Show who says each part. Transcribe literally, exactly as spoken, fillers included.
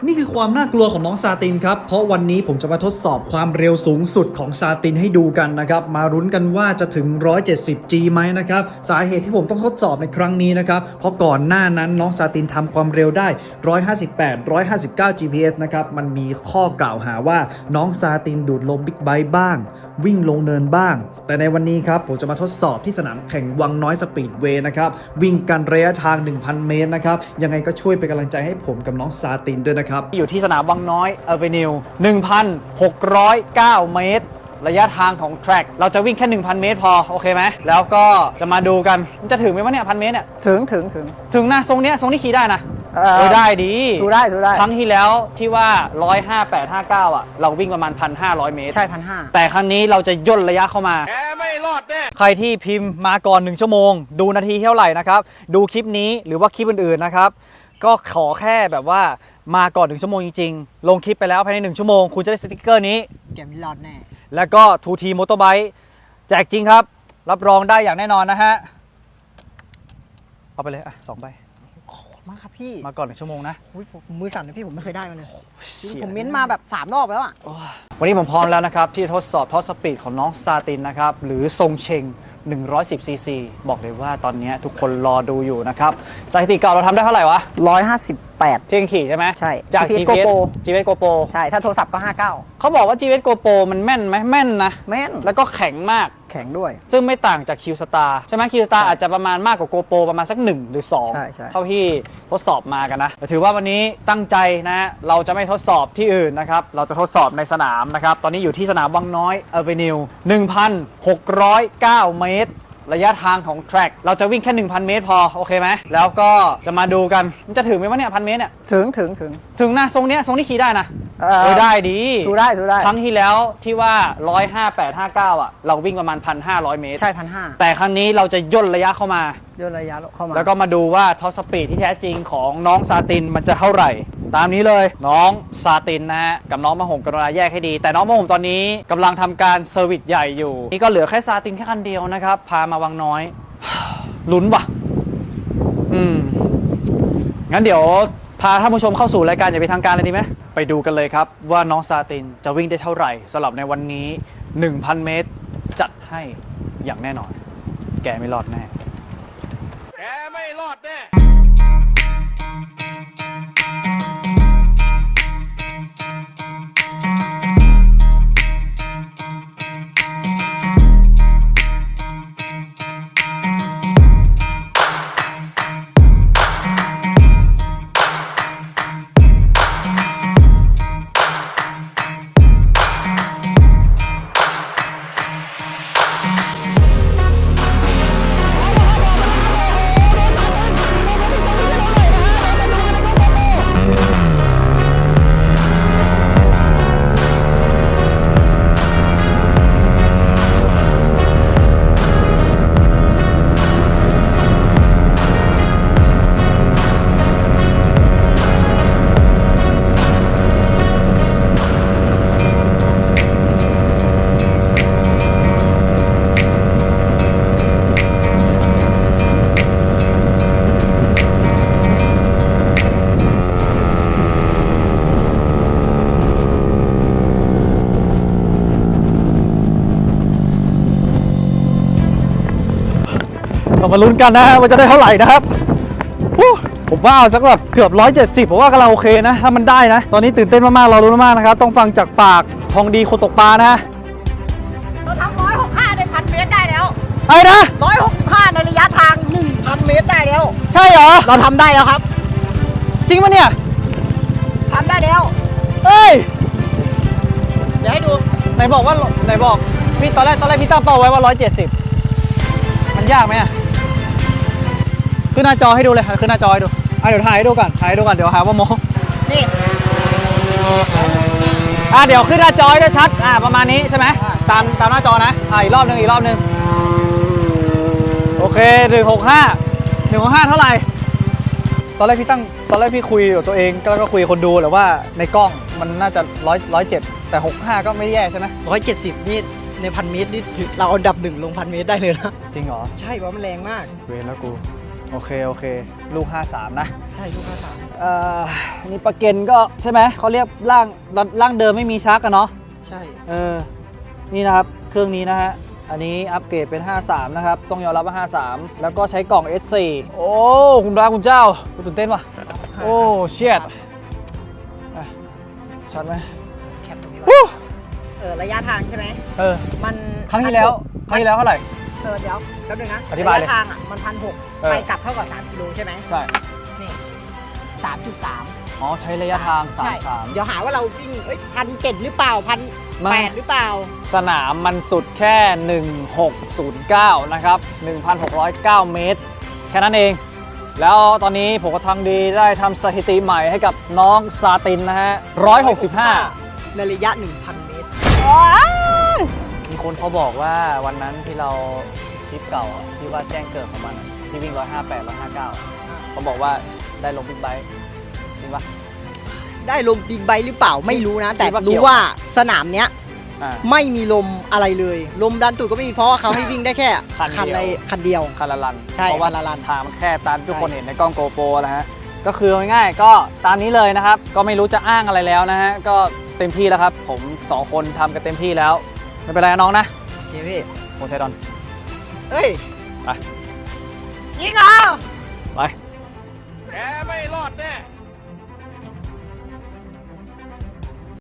Speaker 1: นี่คือความน่ากลัวของน้องซาตินครับเพราะวันนี้ผมจะมาทดสอบความเร็วสูงสุดของซาตินให้ดูกันนะครับมาลุ้นกันว่าจะถึง หนึ่งร้อยเจ็ดสิบ จี ไหมนะครับสาเหตุที่ผมต้องทดสอบในครั้งนี้นะครับเพราะก่อนหน้านั้นน้องซาตินทำความเร็วได้ หนึ่งร้อยห้าสิบแปด หนึ่งร้อยห้าสิบเก้า จี พี เอส นะครับมันมีข้อกล่าวหาว่าน้องซาตินดูดลมบิ๊กไบค์บ้างวิ่งลงเนินบ้างแต่ในวันนี้ครับผมจะมาทดสอบที่สนามแข่งวังน้อยสปีดเวย์นะครับวิ่งกันระยะทาง หนึ่งพัน เมตรนะครับยังไงก็ช่วยเป็นกำลังใจให้ผมกับน้องซาตินด้วยนะครับอยู่ที่สนามวังน้อยเอเวนิว หนึ่งพันหกร้อยเก้า เมตรระยะทางของแทร็กเราจะวิ่งแค่ หนึ่งพัน เมตรพอโอเคไหมแล้วก็จะมาดูกันมันจะถึงไหมวะเนี่ยพันเมตรเนี่ย
Speaker 2: ถึงถึงถึง
Speaker 1: ถึงนะทรงเนี้ยทรงนี้ขี่ได้นะ
Speaker 2: เอ
Speaker 1: เออได้ดี
Speaker 2: สู้ได้สู้ได้
Speaker 1: ครั้งที่แล้วที่ว่าหนึ่งร้อยห้าสิบแปด ห้าสิบเก้าอ่ะเราวิ่งประมาณ หนึ่งพันห้าร้อย เมตร
Speaker 2: ใช่พันห้า
Speaker 1: แต่ครั้งนี้เราจะย่นระยะเข้ามาแกไม่รอดแน่ใครที่พิมพ์มาก่อนหนึ่งชั่วโมงดูนาทีเท่าไหร่นะครับดูคลิปนี้หรือว่าคลิปอื่นๆนะครับก็ขอแค่แบบว่ามาก่อนหนึ่งชั่วโมงจริงๆลงคลิปไปแล้วภายในหนึ่งชั่วโมงคุณจะได้สติ๊กเกอร์นี้
Speaker 2: แกไม่รอดแน่
Speaker 1: แล้วก็ ทู ที Motorbike แจกจริงครับรับรองได้อย่างแน่นอนนะฮะเอาไปเลยอ่ะสองใบ
Speaker 2: ขอบคุณมากครับพี่
Speaker 1: มาก่อนหนึ่งชั่วโมงนะ
Speaker 2: ผมมือสั่นนะพี่ผมไม่เคยได้มาเลยผมเม้นมาแบบสามรอบแล้วอ่ะ
Speaker 1: วันนี้ผมพร้อมแล้วนะครับที่ทดสอบท็อปสปีดของน้องซาตินนะครับหรือทรงเชงหนึ่งร้อยสิบ ซี ซี บอกเลยว่าตอนนี้ทุกคนรอดูอยู่นะครับสถิติเก่าเราทำได้เท่าไหร่วะ
Speaker 2: หนึ่งร้อยห้าสิบแปด
Speaker 1: เที่ยงขี่ใช่ไหม
Speaker 2: ใช่
Speaker 1: จาก จี พี เอส จี พี เอส GoPro
Speaker 2: ใช่ถ้าโทรศัพท์ก็ห้าสิบเก้า
Speaker 1: เขาบอกว่า จี พี เอส GoPro มันแม่นไหมแม่นนะ
Speaker 2: แม่น
Speaker 1: แล้วก็แข็งมาก
Speaker 2: แข็งด้วย
Speaker 1: ซึ่งไม่ต่างจาก Q-Star ใช่ไหม Q-Star อาจจะประมาณมากกว่า GoPro ประมาณสักหนึ่งหรือสอง
Speaker 2: ใช่ใช่
Speaker 1: เท่าที่ทดสอบมากันนะแต่ถือว่าวันนี้ตั้งใจนะเราจะไม่ทดสอบที่อื่นนะครับเราจะทดสอบในสนามนะครับตอนนี้อยู่ที่สนามวังน้อยเอเวนิว หนึ่งพันหกร้อยเก้า เมตรระยะทางของแทร็กเราจะวิ่งแค่ หนึ่งพัน เมตรพอโอเคไหมแล้วก็จะมาดูกันมันจะถึงไหมวะเนี่ยพันเมตรเนี่ย
Speaker 2: ถึงถึงถึง
Speaker 1: ถึงนะทรงเนี้ยทรงนี้ขี่ได้นะ
Speaker 2: เอ
Speaker 1: อได้ดี
Speaker 2: สู้ได้สู้ได้
Speaker 1: ครั้งที่แล้วที่ว่าหนึ่งร้อยห้าสิบแปด ห้าสิบเก้าอ่ะเราวิ่งประมาณ หนึ่งพันห้าร้อย เมตร
Speaker 2: ใช่พันห้า
Speaker 1: แต่ครั้งนี้เราจะย่นระยะเข้ามา
Speaker 2: ย่นระยะเข้ามา
Speaker 1: แล้วก็มาดูว่าท็อปสปีดที่แท้จริงของน้องซาตินมันจะเท่าไหร่ตามนี้เลยน้องซาตินนะฮะกับน้องมะหงกรุณาแยกให้ดีแต่น้องมะหงตอนนี้กำลังทำการเซอร์วิสใหญ่อยู่นี่ก็เหลือแค่ซาตินแค่คันเดียวนะครับพามาวังน้อยลุ้นว่ะอืมงั้นเดี๋ยวพาท่านผู้ชมเข้าสู่รายการอย่าไปทางการเลยดีไหมไปดูกันเลยครับว่าน้องซาตินจะวิ่งได้เท่าไหร่สำหรับในวันนี้ หนึ่งพัน เมตรจัดให้อย่างแน่นอนแกไม่รอดแน่แกไม่รอดแน่เรามาลุ้นกันนะว่าจะได้เท่าไหร่นะครับผมว่าสักแบบเกือบหนึ่งร้อยเจ็ดสิบผมว่ากำลังโอเคนะถ้ามันได้นะตอนนี้ตื่นเต้นมากๆเราลุ้นมากๆนะครับต้องฟังจากปากทองดีคนตกปลานะ
Speaker 2: เราทำหนึ่งร้อยหกสิบห้าในพันเมตรได้แล้ว
Speaker 1: ไอ้นะ
Speaker 2: หนึ่งร้อยหกสิบห้าในระยะทาง หนึ่งพัน เมตรได้แล้ว
Speaker 1: ใช่เหรอ
Speaker 2: เราทำได้แล้วครับ
Speaker 1: จริงปะเนี่ย
Speaker 2: ทำได้แล้ว
Speaker 1: เฮ้ย
Speaker 2: เดี๋ยวให้ดู
Speaker 1: ไหนบอกว่าไหนบอกพี่ตอนแรกตอนแรกพี่ตั้งเป้าไว้ว่าหนึ่งร้อยเจ็ดสิบมันยากไหมอะขึ้นหน้าจอให้ดูเลยขึ้นหน้าจอให้ดูอ่ะเดี๋ยวถ่ายให้ดูก่อนถ่ายให้ดูก่อนเดี๋ยวหาว่าโม
Speaker 2: นี่
Speaker 1: อ่ะเดี๋ยวขึ้นหน้าจอให้ได้ชัดอ่ะประมาณนี้ใช่ไหมตามตามหน้าจอนะอ่ะอีกรอบหนึ่งอีกรอบหนึ่งโอเคหนึ่งหกห้าหนึ่งหกห้าเท่าไหร่ตอนแรกพี่ตั้งตอนแรกพี่คุยกับตัวเองแล้วก็คุยกับคนดูแหละว่าในกล้องมันน่าจะร้อยร้อยเจ็ดแต่หกห้าก็ไม่แย่ใช่ไหม
Speaker 2: ร้อยเจ็ดสิบนี่ในพันเมตรนี่เราเอาดับหนึ่งลงพันเมตรได้เลยนะ
Speaker 1: จริงเหรอ
Speaker 2: ใช่เพราะมันแรงมาก
Speaker 1: เวรแล้วกูโอเคโอเคลูกห้าสามนะ
Speaker 2: ใช่ลูกค้าสาม
Speaker 1: เอ่อนี่ประเก็นก็ใช่ไหมเขาเรียกร่างร่างเดิมไม่มีชักกันเนาะ
Speaker 2: ใช่
Speaker 1: เออนี่นะครับเครื่องนี้นะฮะอันนี้อัปเกรดเป็นห้าสามนะครับต้องยอมรับว่าห้าสามแล้วก็ใช้กล่อง เอส โฟร์ โอ้คุณพระคุณเจ้าคุณตื่นเต้นว่ะโอ้เชียดอ่ะชัดไหม
Speaker 2: แคปตรงนี้
Speaker 1: ฮู้
Speaker 2: ไว้เออระยะทางใช่ไหม
Speaker 1: เออ
Speaker 2: มัน
Speaker 1: ครั้งที่แล้วครั้งที่แล้วเท่าไหร่
Speaker 2: เออเดี๋ยวแป๊บนึงนะ
Speaker 1: อธิบายเลย
Speaker 2: ระยะทางอ่ะมันพันหก
Speaker 1: เออ
Speaker 2: ไปกลับเท่ากับสามกิโลใช่ไหม
Speaker 1: ใช่
Speaker 2: นี่สามจุดสาม
Speaker 1: อ๋อใช้ระยะทางสามสาม
Speaker 2: เดี๋ยวหาว่าเราวิ่งเอ้ยพันเจ็ดหรือเปล่าพัน
Speaker 1: ไม่
Speaker 2: แปดหรือเปล่า
Speaker 1: สนามมันสุดแค่ หนึ่งพันหกร้อยเก้า นะครับ หนึ่งพันหกร้อยเก้า เมตร แค่นั้นเอง แล้วตอนนี้ผมก็ทำดีได้ทำสถิติใหม่ให้กับน้องซาตินนะฮะหนึ่งร้อยหกสิบห้า
Speaker 2: ในระยะ หนึ่งพัน เมตร
Speaker 1: มีคนเขาบอกว่าวันนั้นที่เราคลิปเก่าอะที่ว่าแจ้งเกิดของมันอะที่วิ่งหนึ่งห้าแปด หนึ่งห้าเก้าเขาบอกว่าได้ลงบิ๊กไบค์จริงปะ
Speaker 2: ได้ลมบิ๊กไบค์หรือเปล่าไม่รู้นะ แต่
Speaker 1: คิดว่าเกี่
Speaker 2: รู้
Speaker 1: ยว
Speaker 2: ว่าสนามเนี้ย
Speaker 1: อ่า
Speaker 2: ไม่มีลมอะไรเลย ลมดันตูดก็ไม่มีเพราะว่าเขาให้วิ่งได้แค่
Speaker 1: คันเดียว
Speaker 2: คันใดคันเดียว
Speaker 1: คาราลัน
Speaker 2: ใช่
Speaker 1: เพราะว่า
Speaker 2: คาราลัน
Speaker 1: ทางมันแค่ตามที่ทุกคน
Speaker 2: ใช่
Speaker 1: เห็นในกล้องโกโปรนะฮะก็คือเอาง่ายๆก็ตามนี้เลยนะครับ ก็ไม่รู้จะอ้างอะไรแล้วนะฮะก็เต็มที่แล้วครับ ผมสองคนทำกันเต็มที่แล้ว ไม่เป็นไรนะน้องนะ
Speaker 2: โอเคพี่
Speaker 1: โมไซดอน
Speaker 2: เฮ้ย
Speaker 1: ไป
Speaker 2: ยิงเหรอ
Speaker 1: ไป
Speaker 3: แกไม่รอดแน่